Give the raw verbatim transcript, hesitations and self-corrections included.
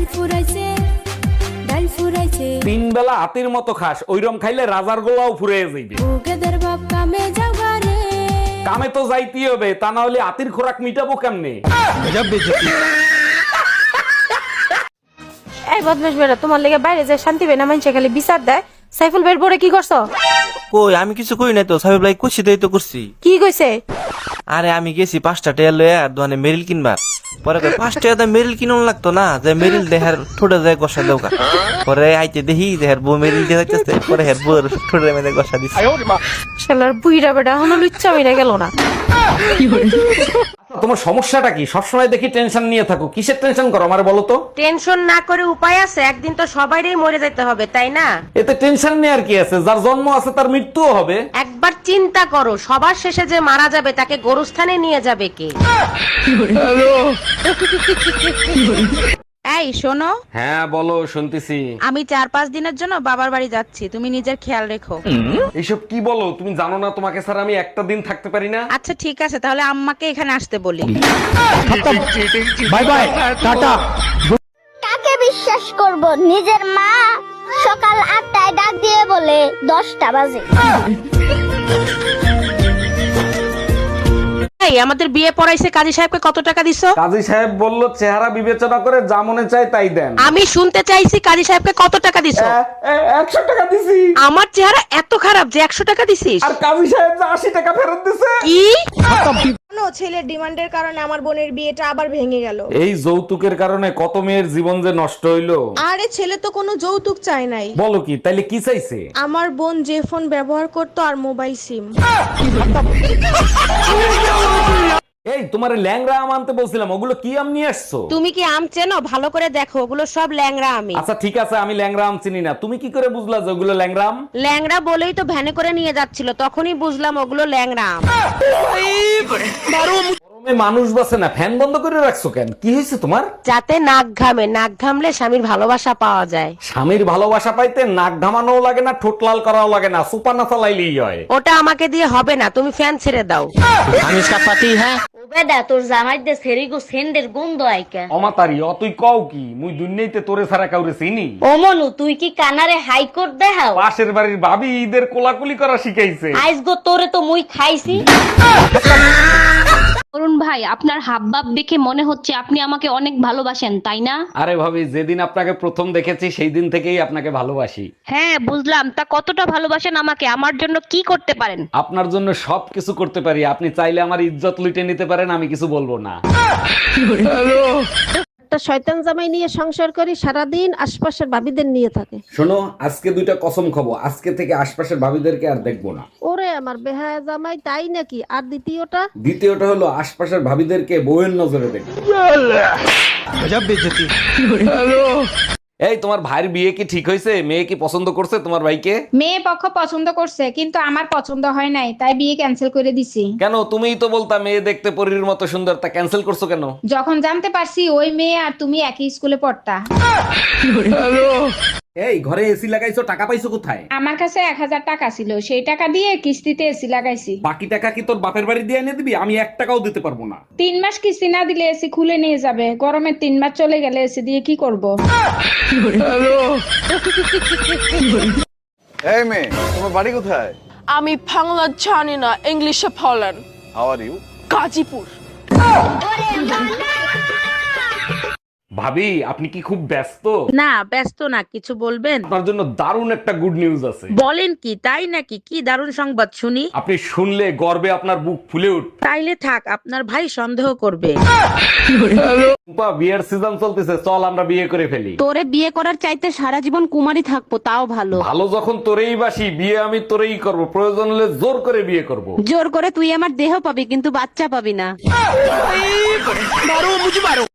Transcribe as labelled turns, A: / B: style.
A: ফুরাইছে ডাল ফুরাইছে
B: তিন বেলা হাতির মতো খাস, ওইরম খাইলে রাজার গোলাও ফুরে যাইবে।
A: ওগেদের বাপ কামে যাবারে
B: কামে তো যাইতেই হবে, তা না হলে হাতির খোরাক মিটাবো কেমনে?
C: এই বদমাশ বেটা, তোমার লেগে বাইরে যায় শান্তি পাই না, মানুষে খালি বিচার দেয়। সাইফুল ভাইয়ের পরে কি করছো?
D: কই আমি কিছু কই নাই তো, সাহেব লাই কুছি দেই তো করছি।
C: কি কইছে?
D: আরে আমি গেছি পাঁচটা টেয়া লয়ে আর দোকানে মেরিল কিনবার, পরে কই পাঁচ টাকা দাম মেরিল কিনুন লাগতো না, যে মেরিল দেহার ঠোঁটে যায় গসা দেওকা। পরে আইতে দেখি দেহার বউ মেরিল দিয়ে যাচ্ছে, পরে হের বউর ঠোঁটে মেরে গসা দিছে।
C: শালার বুইড়া বেটা এখনো লুচ্চা মেরে গেল না।
B: তোমার সমস্যাটা কি? সবসময় দেখি টেনশন নিয়ে থাকো, কিসের টেনশন করো আমার বলো তো?
C: টেনশন না করে উপায় আছে, একদিন তো সবাইরই মরে যেতে হবে, তাই না?
B: এতে টেনশন নিয়ে আর কি আছে? যার জন্ম আছে তার মৃত্যুও হবে।
C: একবার চিন্তা করো, সবার শেষে যে মারা যাবে তাকে গোরস্থানে নিয়ে যাবে কে?
E: এই শোনো,
B: হ্যাঁ বলো, শুনতেছি।
E: আমি চার পাঁচ দিনের জন্য বাবার বাড়ি যাচ্ছি, তুমি নিজের খেয়াল রেখো।
B: এইসব কি বলো? তুমি জানো না তোমাকে স্যার আমি একটা দিন থাকতে পারি না?
E: আচ্ছা ঠিক আছে, তাহলে আম্মাকে এখানে আসতে বলি।
B: Bye bye, tata.
F: কাকে বিশ্বাস করব? নিজের মা সকাল আটটায় ডাক দিয়ে বলে দশটা বাজে।
C: এই আমাদের বিয়ে পড়াইছে কাজী সাহেবকে কত টাকা দিছো?
B: কাজী সাহেব বলল চেহারা বিবেচনা করে যা মনে চায় তাই দেন।
C: আমি শুনতে চাইছি কাজী সাহেবকে কত টাকা দিছো?
B: একশো টাকা দিছি।
C: আমার চেহারা এত খারাপ যে একশো টাকা দিছিস?
B: আর কাজী সাহেব যে আশি টাকা ফেরত দিছে।
C: কি?
G: ছেলের ডিমান্ডের কারণে আমার বোনের বিয়েটা আবার ভেঙে গেল।
B: এই যৌতুকের কারণে কত মেয়ের জীবন যে নষ্ট হইলো।
G: আরে ছেলে তো কোনো যৌতুক চায় নাই।
B: বলো কি? তাইলে কি চাইছে?
G: আমার বোন যে ফোন ব্যবহার করতো আর মোবাইল সিম।
B: এই তোমারে ল্যাংড়া আম আনতে বলছিলাম, ওগুলো কি আম নিয়ে আসছো?
C: তুমি কি আম চেনো? ভালো করে দেখো, ওগুলো সব ল্যাংড়া আমি।
B: আচ্ছা ঠিক আছে, আমি ল্যাংড়া আম চিনি না। তুমি কি করে বুঝলা যে ওগুলো ল্যাংড়া আম?
C: ল্যাংড়া বলেই তো ভ্যানে করে নিয়ে যাচ্ছিল, তখনই বুঝলাম ওগুলো ল্যাংড়া আম।
B: গরমে মানুষ বাসে না, ফ্যান বন্ধ করে রাখছো কেন? কি হয়েছে তোমার?
C: যাতে নাক ঘামে, নাক ঘামলে স্বামীর ভালোবাসা পাওয়া যায়।
B: স্বামীর ভালোবাসা পাইতে নাক ঘামানোও লাগে না, ঠোঁট লাল করাও লাগে না, সুপার না চালাইলেই হয়।
C: ওটা আমাকে দিয়ে হবে না, তুমি ফ্যান ছেড়ে দাও।
B: আমি इसका पति है।
F: বেদা তোর জামাই দে সেরিগো সেন্ডের গন্ধ আইকা।
B: অমাতারি অতুই কও কি? মুই দুনিয়াতে তোরে ছাড়া কাউরে চিনি?
F: ও মনু, তুই কি কানারে হাইকোর্ট দেখাও?
B: পাশের বাড়ির ভাবি ঈদের কোলাকুলি করা শিখাইছে।
F: আইস গো তোরে তো মুই খাইছি।
H: অরুণ ভাই, আপনার হাবভাব দেখে মনে হচ্ছে আপনি আমাকে অনেক ভালোবাসেন, তাই না?
B: আরে ভাবি, যেদিন আপনাকে প্রথম দেখেছি সেই দিন থেকেই আপনাকে ভালোবাসি।
H: হ্যাঁ বুঝলাম, তা কতটা ভালোবাসেন আমাকে? আমার জন্য কি করতে পারেন?
B: আপনার জন্য সব কিছু করতে পারি। আপনি চাইলে আমার ইজ্জত লুটে নিতে পারেন, আমি কিছু বলবো না।
I: একটা শয়তান জামাই নিয়ে সংসার করি, সারাদিন আশপাশের ভাবিদের নিয়ে থাকে।
B: শোনো, আজকে দুইটা কসম খাবো, আজকে থেকে আশপাশের ভাবিদেরকে আর দেখবো না।
I: ওরে আমার বেহায়া জামাই, তাই নাকি? আর দ্বিতীয়টা?
B: দ্বিতীয়টা হলো আশপাশের ভাবিদেরকে বউয়ের নজরে দেখবো। এই তোমার ভাইয়ের বিয়ে কি ঠিক হয়েছে? মেয়ে কি পছন্দ করছে তোমার ভাইকে?
J: মেয়ে পক্ষ পছন্দ করছে, কিন্তু আমার পছন্দ হয় নাই, তাই বিয়ে ক্যান্সেল করে দিছি।
B: কেন? তুমিই তো বলতা মেয়ে দেখতে পরীর মতো সুন্দর, তা ক্যান্সেল করছো কেন?
J: যখন জানতে পারছি ওই মেয়ে আর তুমি একই স্কুলে পড়তা।
B: এই ঘরে এসি লাগাইছো, টাকা পাইছো কোথায়?
J: আমার কাছে এক হাজার টাকা ছিল, সেই টাকা দিয়ে কিস্তিতে এসি লাগাইছি।
B: বাকি টাকা কি তোর বাপের বাড়ি দিয়ে এনে দিবি? আমি এক টাকাও দিতে পারবো না।
J: তিন মাস কিস্তি না দিলে এসি খুলে নিয়ে যাবে, গরমের তিন মাস চলে গেলে এসি দিয়ে কি করব?
K: এই মেয়ে, তোমার বাড়ি কোথায়?
G: আমি বাংলা জানি না, ইংলিশে বলেন।
K: How are you?
G: গাজীপুর।
B: ভাবি, আপনি কি খুব ব্যস্ত?
C: না ব্যস্ত না, কিছু বলবেন?
B: আপনার জন্য দারুণ একটা গুড নিউজ আছে।
C: বলেন কি? তাই নাকি? কি দারুণ সংবাদ শুনি।
B: আপনি শুনলে গর্বে আপনার বুক ফুলে উঠবে।
C: তাইলে থাক, আপনার ভাই সন্দেহ করবে।
B: টুম্পা, বিয়ের সিজন চলতেছে, চল আমরা বিয়ে করে ফেলি।
H: তোরে বিয়ে করার চাইতে সারা জীবন কুমারী থাকবো তাও ভালো।
B: ভালো যখন তোরেই বাসি, বিয়ে আমি তোরেই করব, প্রয়োজন হলে জোর করে বিয়ে করব।
H: জোর করে তুই আমার দেহ পাবি, কিন্তু বাচ্চা পাবি না।